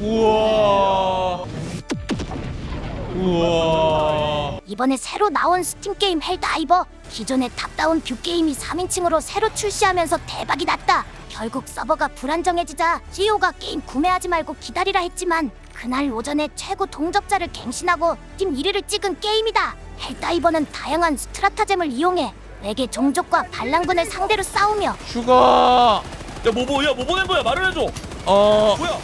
우와. 우와. 이번에 새로 나온 스팀 게임 헬다이버. 기존의 탑다운 뷰 게임이 3인칭으로 새로 출시하면서 대박이 났다. 결국 서버가 불안정해지자 CEO가 게임 구매하지 말고 기다리라 했지만 그날 오전에 최고 동접자를 갱신하고 팀 1위를 찍은 게임이다. 헬다이버는 다양한 스트라타잼을 이용해 외계 종족과 반란군을 상대로 싸우며 슈가. 야뭐 보낸 거야? 말을 해줘. 뭐야?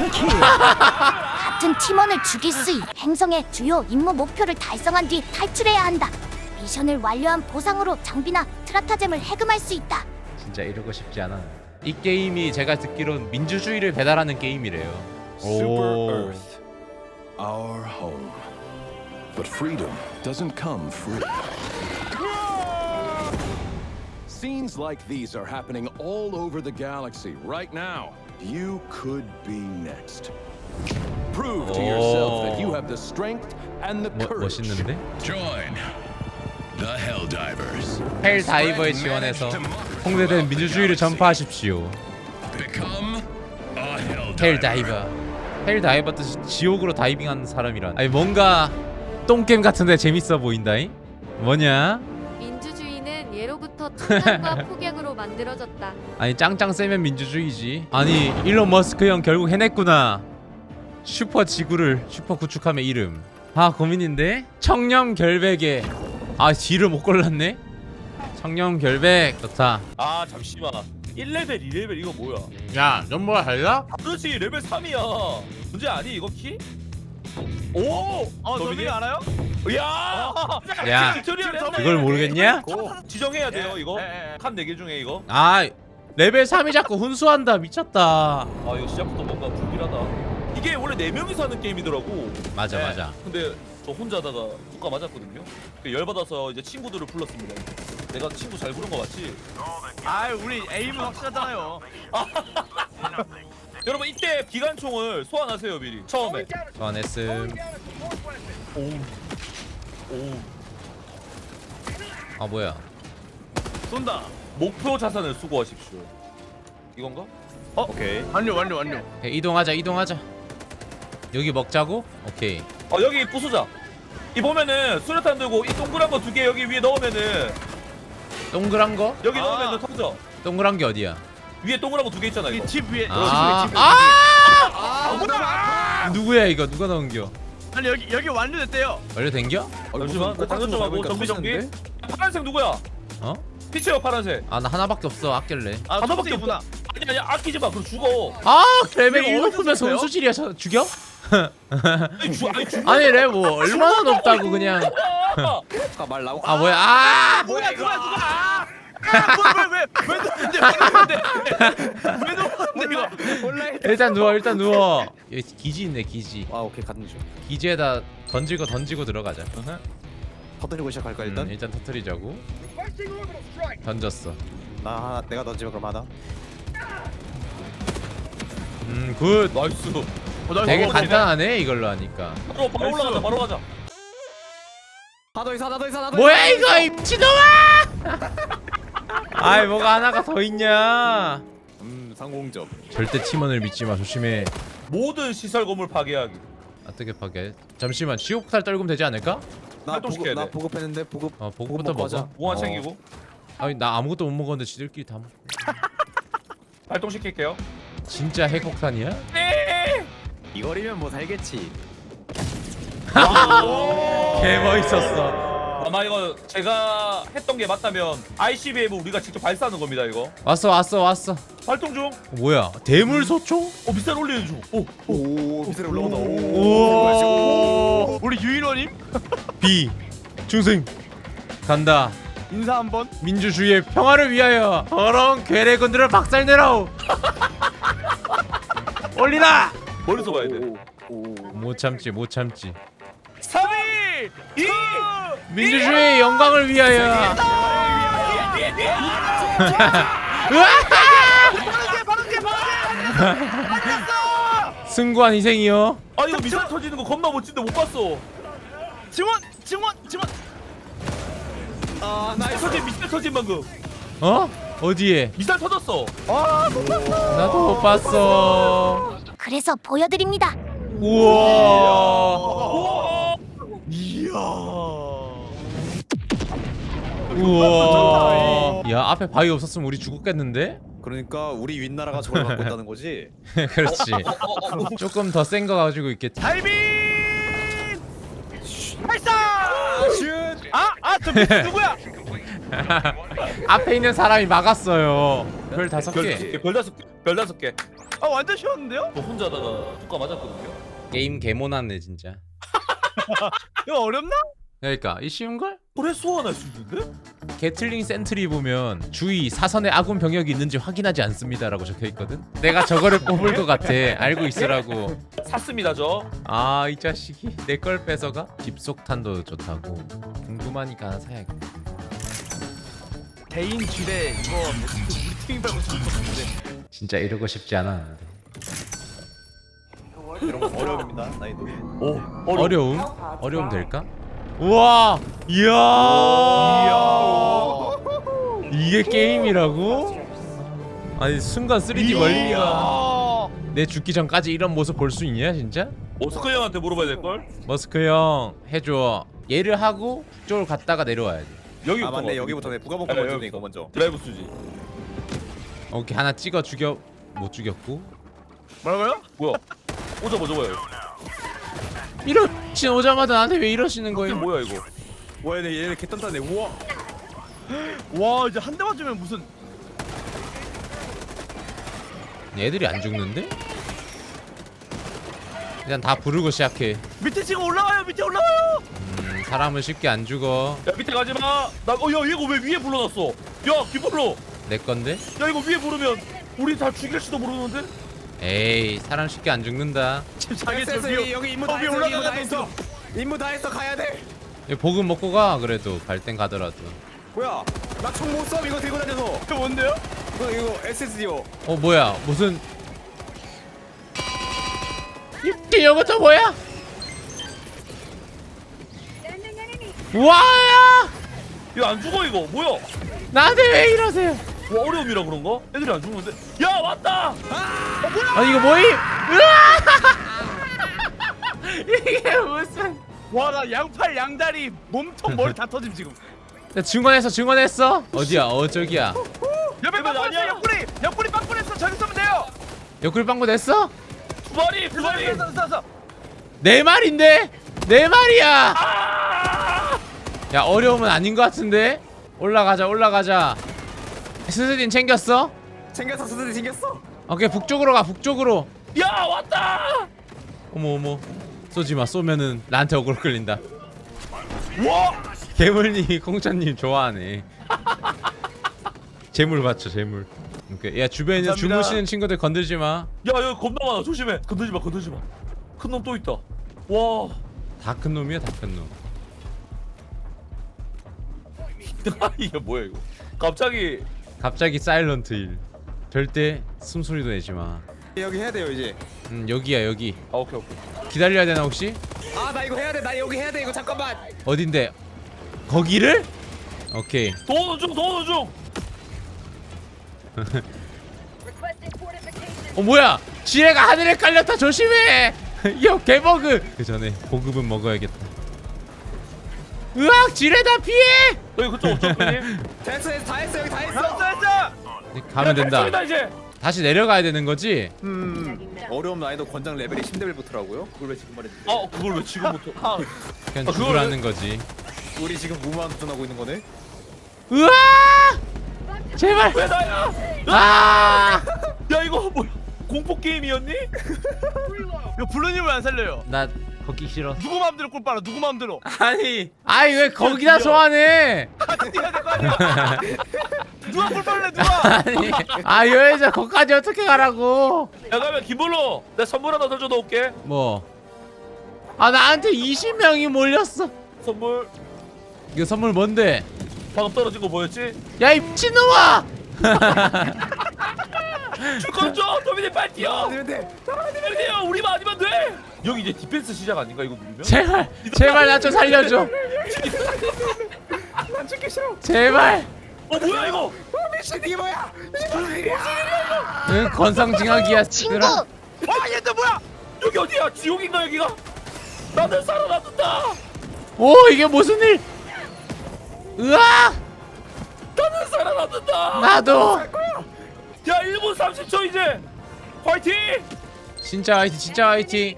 같은 팀원을 죽일 수 있는 행성의 주요 임무 목표를 달성한 뒤 탈출해야 한다. 미션을 완료한 보상으로 장비나 스트라타잼을 해금할 수 있다. 진짜 이러고 싶지 않아. 이 게임이 제가 듣기론 민주주의를 배달하는 게임이래요. Super Earth, our home. But freedom doesn't come free. Scenes like these are happening all over the galaxy right now. You could be next. Prove to yourself that you have the strength and the courage. 멋있는데? Join the Helldivers. 헬다이버에 지원해서 홍대된 민주주의를 전파하십시오. Become a 헬다이버. 헬다이버 뜻이 지옥으로 다이빙하는 사람이란. 아니 뭔가 똥게임 같은데 재밌어 보인다잉? 뭐냐? 민주주의는 예로부터 청산과 폭약으로 만들어졌다. 아니 짱짱 세면 민주주의지. 아니 일론 머스크 형 결국 해냈구나. 슈퍼 지구를 슈퍼 구축함의 이름. 아 고민인데? 청렴 결백에 아 뒤를 못 골랐네? 청렴 결백 좋다. 아 잠시만. 1레벨, 2레벨 이거 뭐야? 야 연보가 달라? 그렇지 레벨 3이야. 문제 아니 이거 키? 오! 너민이 알아요? 야! 야, 그걸 모르겠냐? 지정해야 돼요 네. 이거. 네. 칸 4개 중에 이거. 아 레벨 3이 자꾸 훈수한다. 미쳤다. 아 이거 시작부터 뭔가 불길하다. 이게 원래 4명이서 하는 게임이더라고. 맞아 네. 맞아. 근데 저 혼자 하다가 국가 맞았거든요. 열받아서 이제 친구들을 불렀습니다. 내가 친구 잘 부른 거 맞지? 아, 우리 에임은 확실하잖아요. 여러분 이때 기관총을 소환하세요 미리. 처음에. 소환했음. 오. 아 뭐야? 쏜다. 목표 자산을 수거하십시오. 이건가? 오케이. 완료. 오케이, 이동하자. 여기 먹자고? 오케이. 여기 부수자. 이 보면은 수류탄 들고 이 동그란 거 2개 여기 위에 넣으면은 동그란 거? 여기 넣으면은 터져. 동그란 게 어디야? 위에 동그란 거 2개 있잖아 이거. 이집 위에. 누구야 이거? 누가 넣은겨? 아니 여기 완료됐대요. 완료된겨? 잠시만 나 장전 좀 하고 정비. 파란색 누구야? 어? 피치요 파란색. 아 나 하나밖에 없어. 아낄래. 하나밖에 없구나. 아니 아끼지 마. 그럼 죽어. 아 레벨 내가 1 어디서 높으면 샀어요? 손수질이야. 죽여? 아니 죽어. 아니 레 뭐 얼마나 높다고 그냥. 아 뭐야? 아 뭐야 이거? 왜 넣었는데 이거? 일단 누워. 여기 기지 있네 기지. 아 오케이 가는 중. 기지에다 던지고 들어가자. 터뜨리고 시작할까 일단? 일단 터뜨리자고. 던졌어. 나 하나 내가 던지면 그럼 하나. 굿. 나이스. 되게 간단하네 이걸로 하니까. 바로 올라가자. 바로 가자. 하나 더 있어. 뭐야 이거 이 미친놈아! 아이 뭐가 하나가 더 있냐? 상공접. 절대 팀원을 믿지 마. 조심해. 모든 시설 건물 파괴하기. 어떻게 파괴? 잠시만 지옥탈 떨구면 되지 않을까? 나 활동시켜야 보급 돼. 나 보급했는데 보급. 보급부터 먹고 하자. 먹어. 무한 챙기고 아니 나 아무것도 못 먹었는데 지들끼리 다 먹. 발동시킬게요. 진짜 핵폭탄이야? 이거리면 뭐 살겠지. 개 멋있었어. 아마 이거 제가 했던 게 맞다면 ICBM 우리가 직접 발사하는 겁니다 이거. 왔어. 발동 중. 뭐야? 대물 소총? 미사일 올리는 중. 오 미사일 올라온다. 오. 우리 유인원님 B 중생 간다. 인사 한번. 민주주의의 평화를 위하여 더러운 괴뢰군들을 박살내라오. 올리라. 멀리서 봐야 돼. 못 참지 3, 2, 1. 민주주의의 영광을 위하여. 승구한 희생이요. 아 이거 미사일 터지는 거 겁나 멋진데 못 봤어. 지원. 미사일 터진 방금. 어? 어디에? 미사일 터졌어. 나도 못 봤어. 그래서 보여드립니다. 우와. 이야. 우와. 야, 앞에 바위 없었으면 우리 죽었겠는데? 그러니까 우리 윗나라가 저걸 갖고 있다는 거지. 그렇지. 조금 더 센 거 가지고 있겠지. 다이빙. 발사. 슛! 저 밑에 누구야? 앞에 있는 사람이 막았어요. 별 5개. 별 5개. 별 5개. 완전 쉬웠는데요? 저 혼자다가 효과 맞았거든요. 게임 개모났네 진짜. 이거 어렵나? 그러니까 이 쉬운 걸? 그래 소환할 수 있는데? 게틀링 센트리 보면 주의 사선에 아군 병력이 있는지 확인하지 않습니다라고 적혀 있거든. 내가 저거를 뽑을 것 같아. 알고 있으라고. 샀습니다 저. 아, 이 자식이 내 걸 뺏어가? 집속탄도 좋다고. 궁금하니까 하나 사야겠다. 개인 지뢰 이거 우리 팀이 밟고 싶은 거 같은데. 진짜 이러고 싶지 않았는데. 이런 거 어려움입니다. 나이도. 오 어려움? 어려움 될까? 우와! 이야! 이게 게임이라고? 아니 순간 3D 멀리가 내 죽기 전까지 이런 모습 볼 수 있냐 진짜? 오스카 형한테 물어봐야 될 걸? 머스크 형 해줘. 얘를 하고 북쪽으로 갔다가 내려와야지. 여기 아 맞네. 여기부터 내 부가복도 아니, 먼저 여기 이거 먼저. 드라이브 수지. 오케이, 하나 찍어 죽여. 못 죽였고. 뭐라고요? 뭐야? 오자마자 뭐야? 이거? 이러신 오자마자 나한테 왜 이러시는 이게 거예요? 뭐야 이거? 와 얘네 개 단단해. 우와. 와 이제 한 대 맞으면 무슨 얘들이 안 죽는데? 일단 다 부르고 시작해. 밑에 지금 올라와요. 밑에 올라와요. 사람은 쉽게 안 죽어. 야 밑에 가지 마. 야 얘가 왜 위에 불러놨어? 야 기불러. 내 건데? 야 이거 위에 부르면 우리 다 죽일지도 모르는데? 에이, 사람 쉽게 안 죽는다. 지금 자기 됐어, 저 위에 여기 임무 다 위에 했어. 임무 다 올라가서 했어. 임무 다 했어. 가야 돼. 얘 보급 먹고 가. 그래도 갈 땐 가더라도. 뭐야? 나 총 못 쏴. 이거 들고 다녀서. 이거 뭔데요? 이거 SSD요. 어, 뭐야? 무슨 이것도 뭐야? 와야! 이거 안 죽어 이거 뭐야? 나한테 왜 이러세요? 와 어려움이라 그런가? 애들이 안 죽는데? 야 왔다! 아니 이거 뭐임? 이게 무슨? 와 나 양팔 양다리 몸통 머리 다 터짐 지금. 나 증언했어? 어디야? 저기야. 옆에 아니야. 빵꾸냈어. 옆구리 빵꾸냈어. 저기 쏘면 돼요. 옆구리 빵꾸 냈어? 두 마리 두 마리! 쏴. 내 말인데? 내 말이야. 야, 어려움은 아닌 것 같은데? 올라가자. 스스딘 챙겼어? 챙겼어. 수술이 챙겼어. 오케이, 북쪽으로 가. 북쪽으로. 야 왔다! 어머. 쏘지마. 쏘면은 나한테 어그로 끌린다. 와! 괴물님, 공짜님 좋아하네. 재물 받쳐, 재물. 오케이. 야, 주변에 있는 감사합니다. 주무시는 친구들 건들지 마. 야 여기 겁나 많아 조심해. 건들지 마. 큰 놈 또 있다. 와. 다 큰 놈이야, 다 큰 놈. 이게 뭐야 이거? 갑자기 사일런트 힐. 절대 숨소리도 내지 마. 여기 해야 돼요 이제. 여기야, 여기. 아 오케이. 기다려야 되나 혹시? 아 나 이거 해야 돼. 나 여기 해야 돼. 이거 잠깐만. 어딘데? 거기를? 오케이. 도는 중. 뭐야? 지뢰가 하늘에 깔렸다. 조심해. 요 개버그. 그 전에 보급은 먹어야겠다. 으악, 지뢰다. 피해. 여기 그쪽 어쩌니? 됐어. 다 했어. 여기 다 했어. 가면 된다. 저기다 이제. 다시 내려가야 되는 거지? 어려움 난이도 권장 레벨이 10레벨부터라고요? 그걸 왜 지금 말했지? 아 그걸 왜 지금부터? 그냥 그거를- 죽으라는 거지. 우리 지금 무모한 도전하고 있는 거네? 으아! 제발. 왜 나야? 아! 야 이거 뭐야? 공포 게임이었니? 이거 블루님 왜 안 살려요? 나 거기 싫어. 누구 마음대로 꿀 빨아. 누구 마음대로. 아니 왜 거기다 소환해? 같이 뛰어야 될 거 아니야. 누가 꿀 빨래 누가? 아니 여자 거기까지 어떻게 가라고? 야 가면 김볼로 내 선물 하나 던져 놓을게. 뭐? 아 나한테 20명이 몰렸어. 선물 이거 선물 뭔데? 방금 떨어진 거 보였지? 야 이 미친놈아! 줄건 줘. 도민이 빨리 뛰어. 아니면 돼! 빨리 뛰어. 우리만 아니면 돼. 여기 이제 디펜스 시작 아닌가 이거 누르면? 제발 나 좀 살려줘. 난 죽기 싫어! 제발. 뭐야 이거? 미친 이게 뭐야! 응, 건성징악이야. 친구, 와 얘들 뭐야? 여기 어디야? 지옥인가 여기가? 나는 살아남는다. 오 이게 무슨 일? 으아! 나는 살아남는다. 나도. 야 1분 30초 이제. 화이팅! 진짜 화이팅 진짜 화이팅.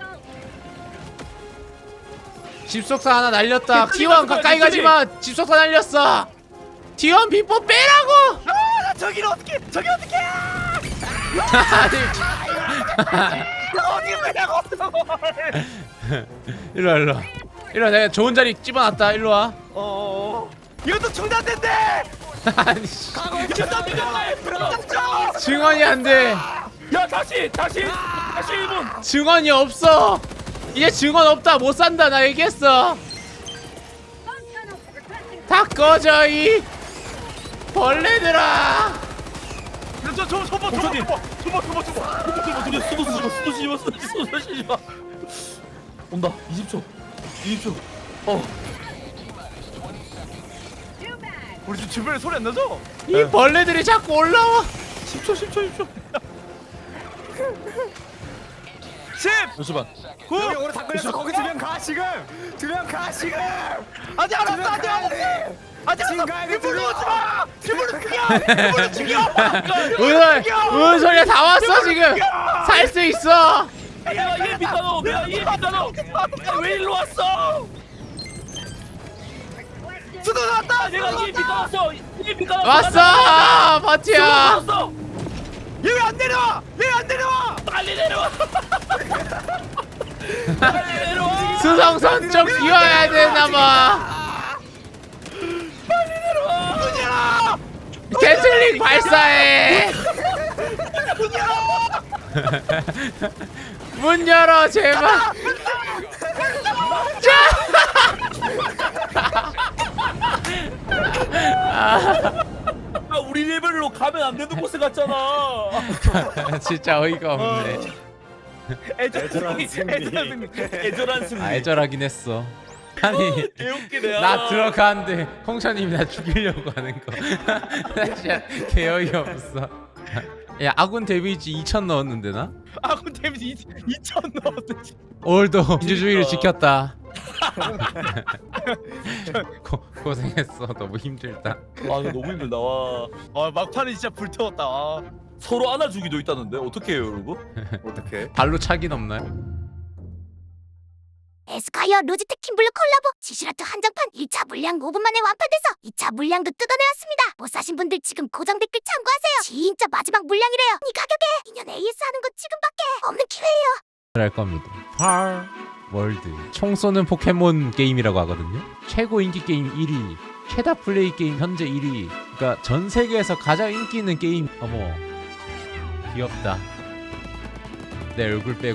집속사 하나 날렸다. T1 가까이 가지마. 집속사 날렸어. T1 비법 빼라고. 나 저기를 어떻게? 저기 어떻게? 어디 왜냐고? 일로와 일로와. 일로와 내가 좋은 자리 집어놨다. 일로와. 이것도 중단된대. 아니 씨. 야 증언이 안돼. 다시 1분. 증언이 없어. 이제 증언 없다. 못 산다. 나 얘기했어. 다 꺼져 이 벌레들아. 수도 온다. 20초. 우리 지금 주변에 소리 안 나죠? 이 벌레들이 자꾸 올라와. 10초. 10. 잠시만. 9. 여기 오래 다 걸렸어. 거기 2명 가 지금. 2명 가 지금. 아직 안 왔어. 아직 안 왔어. 아직 안 왔어. 일부러 오지 마. 일부러 죽여. 무슨 소리야? 다 왔어 지금. 살 수 있어. 내가 EMP 따너. 왜 일로 왔어? 수도 나왔다. 내가 EMP 따놨어. 왔어 파티야. 얘 왜 안 내려와? 왜 안 내려와? 빨리 내려와. 빨리 내려와. 수성선 쪽 비워야 되나봐. 문열아. 개슬링 발사해. 문 열어 제발. 우리 레벨로 가면 안 되는 곳에 갔잖아. 진짜 어이가 없네. 애절한 승리. 아 애절하긴 했어. 아니 개웃기네. 나 들어가는데 홍차님이 나 죽이려고 하는 거. 나 진짜 개어이 없어. 야 아군 데미지 2000 넣었는데 나? 아군 데미지 2,000 넣었지. 오늘도 민주주의를 지켰다. 고생했어. 너무 힘들다. 아 이거 너무 힘들다. 와. 막판에 진짜 불태웠다. 서로 안아주기도 있다는데 어떻게 해요 여러분? 어떻게? 발로 차긴 없나요? 에스카이어 루지트 킴블루 콜라보 지슈라트 한정판 1차 물량 5분 만에 완판돼서 2차 물량도 뜯어내왔습니다. 못 사신 분들 지금 고정 댓글 참고하세요. 진짜 마지막 물량이래요. 이 가격에 2년 AS 하는 거 지금밖에 없는 기회예요. 할 겁니다. 팔 월드 총 쏘는 포켓몬 게임이라고 하거든요. 최고 인기 게임 1위, 최다 플레이 게임 현재 1위. 그러니까 전 세계에서 가장 인기 있는 게임. 어머 귀엽다. 내 얼굴 빼고